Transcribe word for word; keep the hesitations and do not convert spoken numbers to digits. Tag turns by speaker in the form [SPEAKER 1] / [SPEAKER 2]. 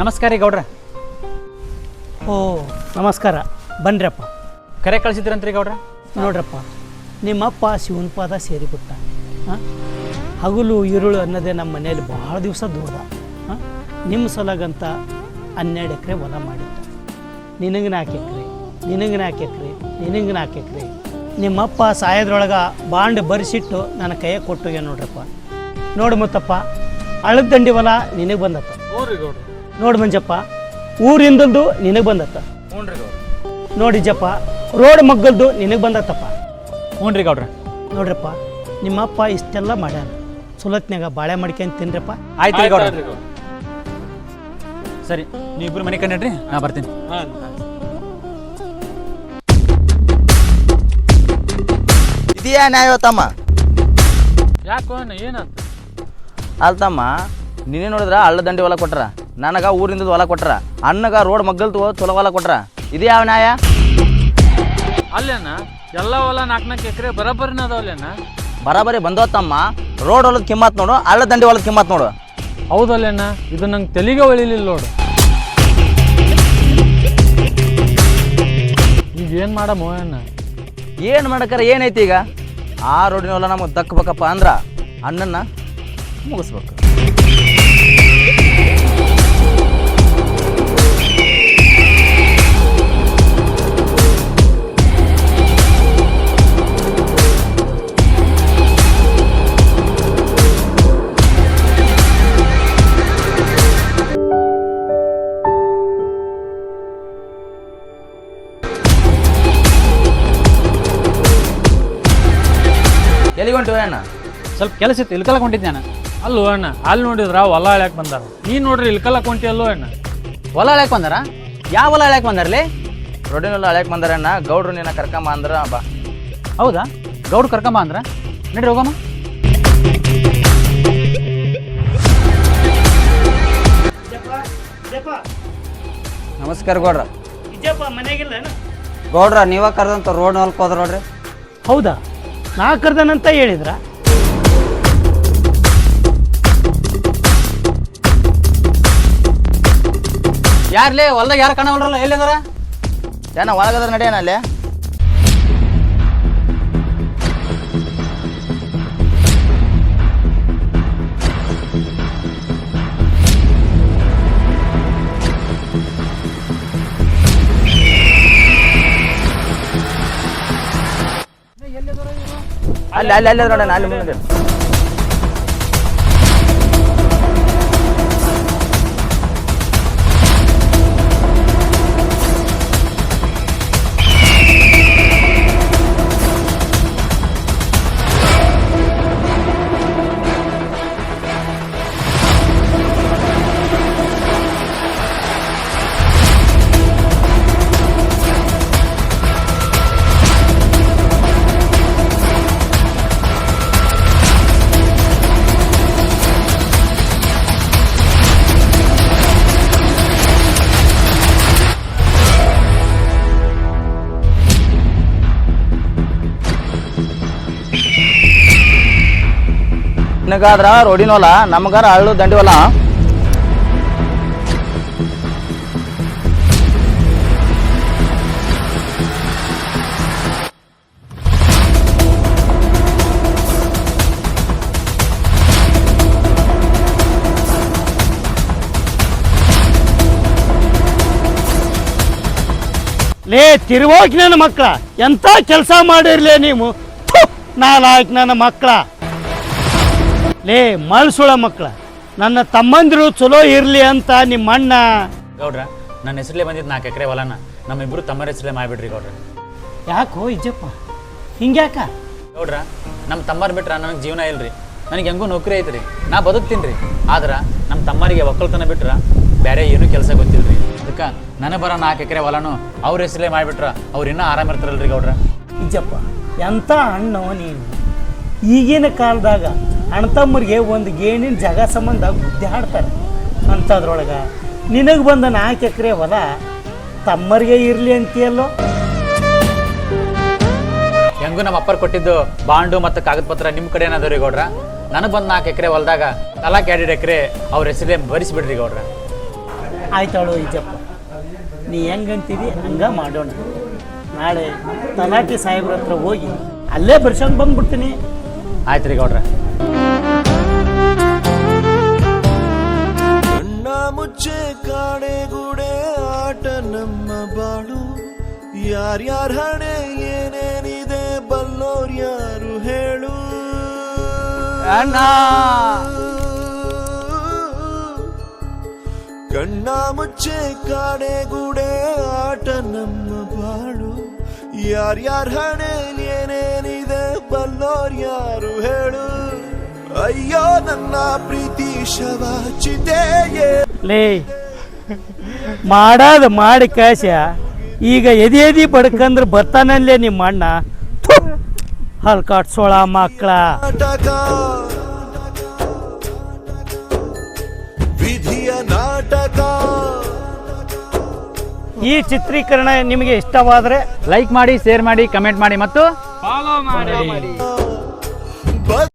[SPEAKER 1] ನಮಸ್ಕಾರ ರೀ ಗೌಡ್ರ.
[SPEAKER 2] ಓ ನಮಸ್ಕಾರ, ಬನ್ನಿರಪ್ಪ.
[SPEAKER 1] ಕರೆ ಕಳಿಸಿದ್ರಂತ್ರಿ ಗೌಡ್ರ.
[SPEAKER 2] ನೋಡ್ರಪ್ಪ, ನಿಮ್ಮಪ್ಪ ಶಿವನ ಪಾದ ಸೇರಿಬಿಟ್ಟ. ಹಾಂ, ಹಗಲು ഇരുಳು ಅನ್ನೋದೇ ನಮ್ಮ ಮನೆಯಲ್ಲಿ ಭಾಳ ದಿವಸ ದೂರದ. ಹಾಂ, ನಿಮ್ಮ ಸಲಗಂತ ಹನ್ನೆರಡು ಎಕರೆ ಹೊಲ ಮಾಡಿದ್ದ. ನಿನಗೆ ನಾಲ್ಕು ಎಕರೆ, ನಿನಗೆ ನಾಲ್ಕು ಎಕರೆ, ನಿನಗೆ ನಾಲ್ಕು ಎಕರೆ. ನಿಮ್ಮಪ್ಪ ಸಾಯೋದ್ರೊಳಗೆ ಬಾಂಡ್ ಬರೆಸಿಟ್ಟು ನನ್ನ ಕೈಯಾಗ ಕೊಟ್ಟೋಗ್ಯ ನೋಡ್ರಪ್ಪ. ನೋಡು ಮುತ್ತಪ್ಪ, ಹಳ್ಳದ ದಂಡಿ ಹೊಲ ನಿನಗೆ ಬಂದತ್ತ. ನೋಡಿ ಮಂಜಪ್ಪ, ಊರಿಂದಲ್ದು ನಿನಗೆ ಬಂದತ್ತ. ನೋಡಿಜಪ್ಪ, ರೋಡ್ ಮಗ್ಗಲ್ದು ನಿನಗೆ ಬಂದತ್ತಪ್ಪ.
[SPEAKER 1] ಹ್ಞೂ ರೀ ಗೌಡ್ರ.
[SPEAKER 2] ನೋಡ್ರಪ್ಪ, ನಿಮ್ಮಪ್ಪ ಇಷ್ಟೆಲ್ಲ ಮಾಡ್ಯಾನ. ಸುಲತ್ನ್ಯಾಗ ಬಾಳೆ ಮಾಡ್ಕೊಂಡು ತಿನ್ರಪ್ಪ.
[SPEAKER 1] ಆಯ್ತು ರೀ ಗೌಡ್ರ. ಸರಿ, ನೀವಿಬ್ರು ಮನೆ ಕಂಡ್ರಿ, ನಾ ಬರ್ತೀನಿ.
[SPEAKER 3] ಇದೆಯಾ ನ್ಯಾಯ ತಮ್ಮ?
[SPEAKER 1] ಯಾಕೋ ಏನಾಯ್ತು?
[SPEAKER 3] ಅಲ್ತಮ್ಮ, ನೀನೇ ನೋಡಿದ್ರ ಹಳ್ಳ ದಂಡಿ ಹೊಲ ಕೊಟ್ರ, ನನಗ ಊರಿಂದ ಹೊಲ ಕೊಟ್ರ, ಅಣ್ಣಗ ರೋಡ್ ಮಗ್ಗಲ್ ಚೊಲೋ ಹೊಲ ಕೊಟ್ರ. ಇದು ಯಾವ ನ್ಯಾಯ?
[SPEAKER 4] ಅಲ್ಲೇನ ಎಲ್ಲ ಹೊಲ ನಾಲ್ಕು ನಾಲ್ಕು ಎಕರೆ ಬರೋಬ್ಬರಿನ ಅದಾವಲ್ಲೇನ?
[SPEAKER 3] ಬರಾಬರಿ ಬಂದೋತ್ತಮ್ಮ. ರೋಡ್ ಹೊಲದ ಕಿಮ್ಮತ್ ನೋಡು, ಹಳ್ಳ ದಂಡಿ ಹೊಲದ ಕಿಮ್ಮತ್ ನೋಡು.
[SPEAKER 4] ಹೌದಲ್ಲೇನ? ಇದು ನಂಗೆ ತೆಲಿಗೆ ಒಳಿಲಿಲ್ಲ ನೋಡು. ಈಗ ಏನು ಮಾಡಮ್ಮ ಅಣ್ಣ?
[SPEAKER 3] ಏನು ಮಾಡಕ್ಕಾರ ಏನೈತಿ ಈಗ? ಆ ರೋಡಿನ ಹೊಲ ನಮಗೆ ದಕ್ಕಬೇಕಪ್ಪ ಅಂದ್ರ ಅಣ್ಣನ್ನ ಮುಗಿಸ್ಬೇಕು. ಎಲ್ಲಿಗೊಂಟು ಅಣ್ಣ?
[SPEAKER 1] ಸ್ವಲ್ಪ ಕೆಲಸ ಇತ್ತು, ಇಲ್ಕಲ್ಲ ಕೊಂಡಿದ್ದೆ ನಾನು.
[SPEAKER 4] ಅಲ್ಲೋ ಅಣ್ಣ, ಅಲ್ಲಿ ನೋಡಿದ್ರ ಹೊಲ ಹಳ್ಯಾಕ್ ಬಂದಾರ. ನೀನು ನೋಡ್ರಿ ಇಲ್ಕಲ್ಲ ಕೊಂಟಿ ಅಲ್ಲೋ ಅಣ್ಣ.
[SPEAKER 3] ಹೊಲ ಹಳ್ಯಾಕ್ ಬಂದಾರ? ಯಾವ ಹೊಲ ಹಳ್ಯಾಕ್ ಬಂದಾರಲಿ? ರೋಡಿನ ಹೊಲ ಹಳ್ಯಾಕ್ ಬಂದಾರಣ್ಣ. ಗೌಡ್ರು ನಿನ್ನ ಕರ್ಕಂಬ ಅಂದ್ರ ಬಾ.
[SPEAKER 1] ಹೌದಾ? ಗೌಡ್ರು ಕರ್ಕೊಂಬ ಅಂದ್ರ ನಡ್ರಿ ಹೋಗಮ್ಮ.
[SPEAKER 5] ನಮಸ್ಕಾರ ಗೌಡ್ರ.
[SPEAKER 2] ಮನೆಗಿಲ್ಲ?
[SPEAKER 5] ಗೌಡ್ರ ನೀವ ಕರೆದಂತ ರೋಡ್ ಹೊಲ್ಕ್ ಹೋದ್ರ ನೋಡ್ರಿ.
[SPEAKER 2] ಹೌದಾ? ನಾ ಕರ್ದನಂತ ಹೇಳಿದ್ರ?
[SPEAKER 1] ಯಾರ್ಲೇ ಹೊಲ್ದಾಗ ಯಾರು ಕಾಣವಲ್ರಲ್ಲ, ಎಲ್ಲಿದಾರ?
[SPEAKER 3] ಏನ ಒಳಗದ್ರ ನಡೆಯೋಣ ಅಲ್ಲೇ? ಅಲ್ಲಿ ಅಲ್ಲಿ ಅಲ್ಲಿ ನೋಡೋಣ, ಅಲ್ಲಿ ಮುಂದೆ. ನಿನಗಾದ್ರ ರೋಡಿನ ಹೊಲ, ನಮಗಾರ ಹಳ್ಳು ದಂಡಿ ಹೊಲ.
[SPEAKER 2] ಲೇ ತಿರುವಾಗಿ ನನ್ನ ಮಕ್ಕಳ, ಎಂತ ಕೆಲಸ ಮಾಡಿರ್ಲೇ ನೀವು? ನಾಲ್ಕು ನನ್ನ ಮಕ್ಕಳ, ಲೇ ಮಳ್ಸುಳ ಮಕ್ಕಳ, ನನ್ನ ತಮ್ಮಂದಿರು ಚಲೋ ಇರಲಿ ಅಂತ ನಿಮ್ಮ ಅಣ್ಣ.
[SPEAKER 1] ಗೌಡ್ರ, ನನ್ನ ಹೆಸರಲ್ಲೇ ಬಂದಿದ್ದು ನಾಲ್ಕು ಎಕರೆ ಹೊಲನ ನಮ್ಮಿಬ್ರು ತಮ್ಮರ ಹೆಸರಲ್ಲೇ ಮಾಡಿಬಿಡ್ರಿ ಗೌಡ್ರ.
[SPEAKER 2] ಯಾಕೋ ಇಜ್ಜಪ್ಪ ಹಿಂಗ್ಯಾಕ?
[SPEAKER 1] ಗೌಡ್ರ, ನಮ್ಮ ತಮ್ಮರು ಬಿಟ್ರೆ ನನಗೆ ಜೀವನ ಇಲ್ರಿ. ನನಗೆ ಹೆಂಗೂ ನೌಕರಿ ಐತ್ರಿ, ನಾ ಬದುಕ್ತೀನಿ ರೀ. ಆದ್ರೆ ನಮ್ಮ ತಮ್ಮರಿಗೆ ಒಕ್ಕಲ್ತನ ಬಿಟ್ರೆ ಬೇರೆ ಏನೂ ಕೆಲಸ ಗೊತ್ತಿಲ್ರಿ. ಅದಕ್ಕೆ ನನಗೆ ಬರೋ ನಾಲ್ಕು ಎಕರೆ ಹೊಲನು ಅವ್ರ ಹೆಸರಲ್ಲೇ ಮಾಡಿಬಿಟ್ರೆ ಅವ್ರು ಇನ್ನೂ ಆರಾಮಿರ್ತಾರಲ್ರಿ ಗೌಡ್ರ.
[SPEAKER 2] ಇಜ್ಜಪ್ಪ, ಎಂಥ ಅಣ್ಣೋ ನೀನು. ಈಗಿನ ಕಾಲದಾಗ ಅಣ್ತಮ್ಮರಿಗೆ ಒಂದು ಗೇಣಿನ ಜಾಗ ಸಂಬಂಧ ಬುದ್ಧಿ ಹಾಡ್ತಾರೆ. ಅಂಥದ್ರೊಳಗೆ ನಿನಗೆ ಬಂದ ನಾಲ್ಕು ಎಕರೆ ಹೊಲ ತಮ್ಮರಿಗೆ ಇರಲಿ ಅಂತೀಯಲ್ಲೋ?
[SPEAKER 1] ಹೆಂಗೂ ನಮ್ಮ ಅಪ್ಪರ್ ಕೊಟ್ಟಿದ್ದು ಬಾಂಡು ಮತ್ತು ಕಾಗದ ಪತ್ರ ನಿಮ್ಮ ಕಡೆ ಏನದವ್ರಿ ಗೌಡ್ರ. ನನಗೆ ಬಂದು ನಾಲ್ಕು ಎಕರೆ ಹೊಲದಾಗ ತಲಾಕ್ ಎರಡು ಎಕರೆ ಅವ್ರ ಹೆಸರೇ ಭರಿಸಿಬಿಡ್ರಿ ಗೌಡ್ರ.
[SPEAKER 2] ಆಯ್ತಾಳು ಈಜಪ್ಪ, ನೀ ಹೆಂಗಂತೀವಿ ಹಂಗೆ ಮಾಡೋಣ. ನಾಳೆ ತಲಾಟಿ ಸಾಹೇಬ್ರ ಹತ್ರ ಹೋಗಿ ಅಲ್ಲೇ ಬರ್ಸ್ಕೊಂಡು ಬಂದ್ಬಿಡ್ತೀನಿ.
[SPEAKER 1] ಆಯ್ತು ರೀ ಗೌಡ್ರ.
[SPEAKER 6] ಕಣ್ಣ ಮುಚ್ಚೆ ಕಾಡೆಗೂಡೆ ಆಟ ನಮ್ಮ ಬಾಳು, ಯಾರ್ಯಾರ ಹಣೆ ಏನೇನಿದೆ ಬಲ್ಲೋರ್ ಯಾರು ಹೇಳು. ಕಣ್ಣ ಮುಚ್ಚೆ ಕಾಡೆಗೂಡೆ ಆಟ ನಮ್ಮ ಬಾಳು, ಯಾರ್ಯಾರ ಹಣೆ ಏನೇನಿದೆ ಬಲ್ಲೋರ್ ಯಾರು ಹೇಳು. ಅಯ್ಯೋ ನನ್ನ ಪ್ರೀತಿ ಶವ ಚಿತೆಯೇ.
[SPEAKER 2] ಲೇ ಮಾಡಾದ ಮಾಡಿ ಕಾಶ, ಈಗ ಎದಿ ಎದಿ ಬಡ್ಕಂದ್ರೆ ಬರ್ತಾನಲ್ಲೇ ನಿಮ್ಮ ಅಣ್ಣ. ಹಲ್ ಕಾಟ್ಸೋಳ ಮಕ್ಕಳ.
[SPEAKER 6] ನಾಟಕ ವಿಧಿಯ ನಾಟಕ.
[SPEAKER 2] ಈ ಚಿತ್ರೀಕರಣ ನಿಮಗೆ ಇಷ್ಟವಾದರೆ
[SPEAKER 1] ಲೈಕ್ ಮಾಡಿ, ಶೇರ್ ಮಾಡಿ, ಕಮೆಂಟ್ ಮಾಡಿ ಮತ್ತು
[SPEAKER 4] ಫಾಲೋ ಮಾಡಿ.